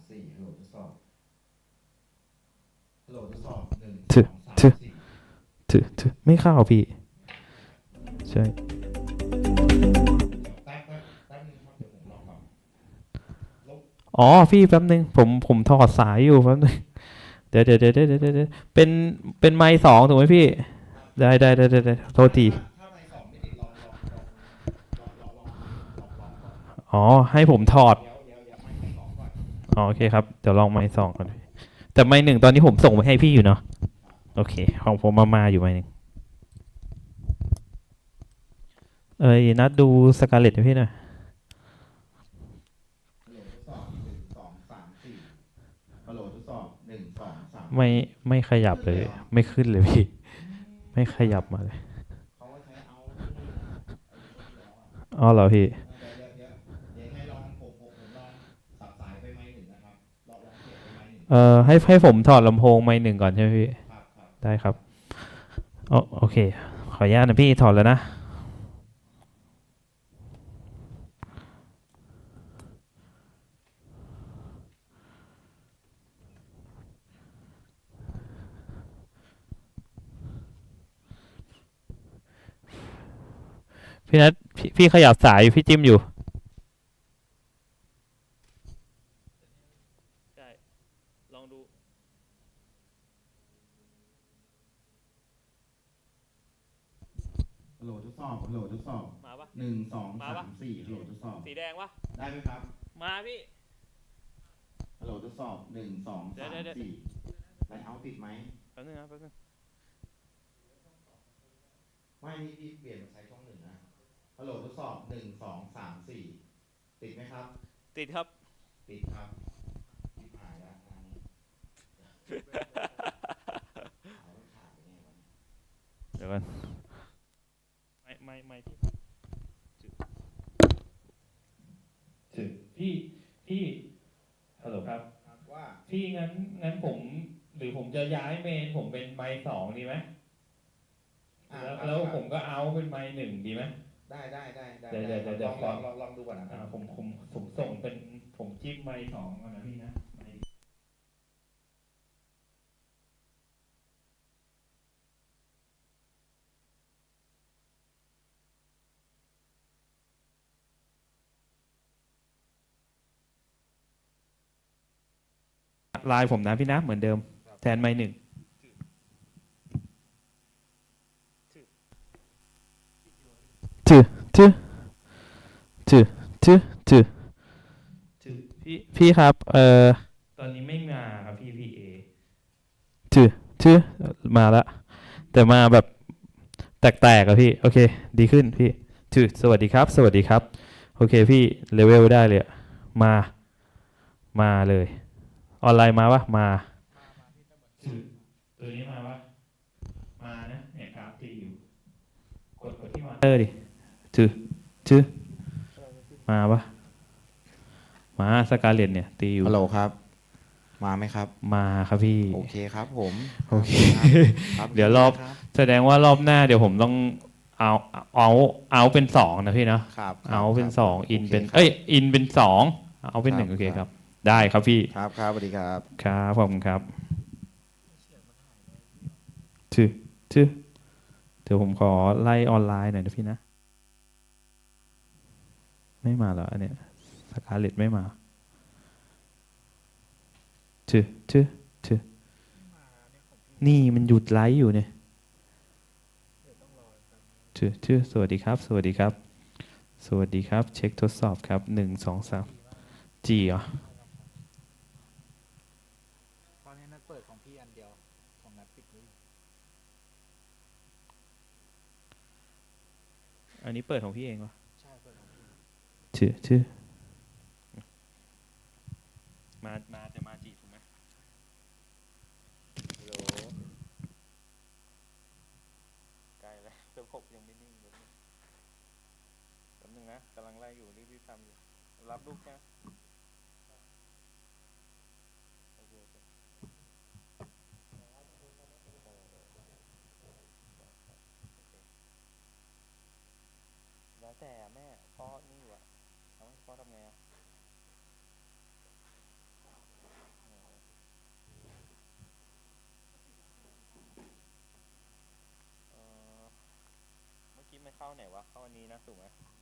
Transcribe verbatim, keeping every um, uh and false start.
สี่ฮัลโหลทดสอบฮัลโหลทดสอบหนึ่งสถือองสามถือสี่ถือถือไม่เข้าพี่ใช่แป๊บแป๊บแป๊บนึงครับเดี๋ยวผมลองแบบลบอ๋อพี่แป๊บนึงผมผมถอดสายอยู่แป๊บนึงเดี๋ยวเดี๋ยวเดี๋ยวเดี๋ยวเดี๋ยวเดี๋ยวเป็นเป็นไมค์สองถูกไหมพี่ได้ได้ได้ได้ได้โทษถ้าทีถ้าถ้าไมค์สองไม่ติดลองลองลองลองลองลองลองลองก่อนอ๋อให้ผมถอดเดี๋ยวเดี๋ยวเดี๋ยวไมค์ไมค์สองก่อนอ๋อโอเคครับเดี๋ยวลองไมค์สองก่อนแต่ไมค์หนึ่งตอนนี้ผมส่งไปให้พี่อยู่เนาะโอเคของผมมามาอยู่ไมค์หนึ่งเอ้ยนัดดูสกาเลตให้พี่หน่อยฮัลโหลทดสอบหนึ่งสองสามสี่ฮัลโหลทดสอบหนึ่งสองสามไม่สี่ไม่ขยับเลยขึ้นเลยเหรอไม่ขึ้นเลยพี่ไม่ขยับมาเลยเขาก็ใช้เอาที่นี่นะไอ้ตัวที่แล้วอ่ะอ๋อเหรอพี่เดี๋ยวเดี๋ยวเดี๋ยวเดี๋ยวให้ลองผมผมผมลองสับสายไปไมค์หนึ่งนะครับลองลองเสียบไปไมค์หนึ่งเอ่อให้ให้ผมถอดลำโพงไมค์หนึ่งก่อนใช่ไหมพี่ครับครับได้ครับอ๋อโอเคขออนุญาตนะพี่ถอดแล้วนะพี่นัทพี่พี่ขยับสายอยู่พี่จิ้มอยู่ใช่ลองดูฮัลโหลทดสอบฮัลโหลทดสอบมาปะหนึ่งสองมาปะสามสี่ฮัลโหลทดสอบสีแดงปะได้ไหมครับมาพี่ฮัลโหลทดสอบหนึ่งสองเดี๋ยวสามเดี๋ยวเดี๋ยวสี่ไลท์เอาท์ติดไหมแป๊บนึงนะแป๊บนึงไม่นี่พี่เปลี่ยนมาใช้ช่องหนึ่งนะฮัลโหลทดสอบหนึ่งสองสามสี่ติดไหมครับติดครับติดครับติดหายแล้วงานนี้เอาแล้วขาดไปไงวะเนี่ยเดี๋ยวกันไม่ไม่ไม่พี่ถึงพี่พี่ฮัลโหลครับครับว่าพี่งั้นงั้นผมหรือผมจะย้ายเมนผมเป็นไมค์สองดีไหมอ่าแล้วครับแล้วครับผมก็เอาเป็นไมค์หนึ่งดีไหมได้ได้ได้ได้เดี๋ยวเดี๋ยวได้เดี๋ยวลเดี๋ยอวงขอลองลองลองดูก่อนนะครัอ่าบผมผมผมส่งเป็นผมจิ้มไมค์สองก่อนนะพี่นะไมค์ไลน์ผมนะพี่นะเหมือนเดิมแทนไมค์หนึ่งถือถือถือถือถือถือพี่พี่ครับเอ่อตอนนี้ไม่มาครับพี่พีเอถือถือมาละแต่มาแบบแตกๆอะพี่โอเคดีขึ้นพี่ถือสวัสดีครับสวัสดีครับโอเคพี่เลเวลได้เลยอะมามาเลยออนไลน์มาปะมาถือตัวนี้มาปะมานะเนี่ยครับตีอยู่กดกดที่มาเตอร์ดิถือถือมาปะมาสกาเลตเนี่ยตีอยู่ฮัลโหลครับมาไหมครับมาครับพี่โอเคครับผมโอเคครับเดี๋ยวรอบครับแสดงว่ารอบหน้าเดี๋ยวผมต้องเอาเอาเอาเป็นสองนะพี่เนาะครับเอาเป็นสองอินเป็นโคครับเอ้ยอินเป็นสองเอาเป็นหนึ่งครับโอเคคครัรับ บได้ครับพี่ครับครับสวัสดีครับครับขอบคุณครับถือถือเดี๋ยวผมขอไล่ออนไลน์หน่อยนะพี่นะไม่มาเหรออันเนี้ยสกาเลตไม่มาถือถือถือนี่มันหยุดไลฟ์อยู่เนี่ยถือถือสวัสดีครับสวัสดีครับสวัสดีครับเช็คทดสอบครับหนึ่งสองสามจีเหรอตอนนี้นัดเปิดของพี่อันเดียวของนัดปิดนี้อันนี้เปิดของพี่เองวะใช่เปิดของพี่ถือถือมามาจะมาจีถูกไหมโหลใกล้แล้วระบบยังไม่นิ่งเลยแป๊บนึงนะกำลังไล่อยู่รีบๆทำอยู่รับลูกแค่โอเคโอเคแล้วแต่แม่พ่อนี่อยู่อะเอาให้พ่อทำไงอะเข้าไหนวะเข้าอันนี้นะถูกไหม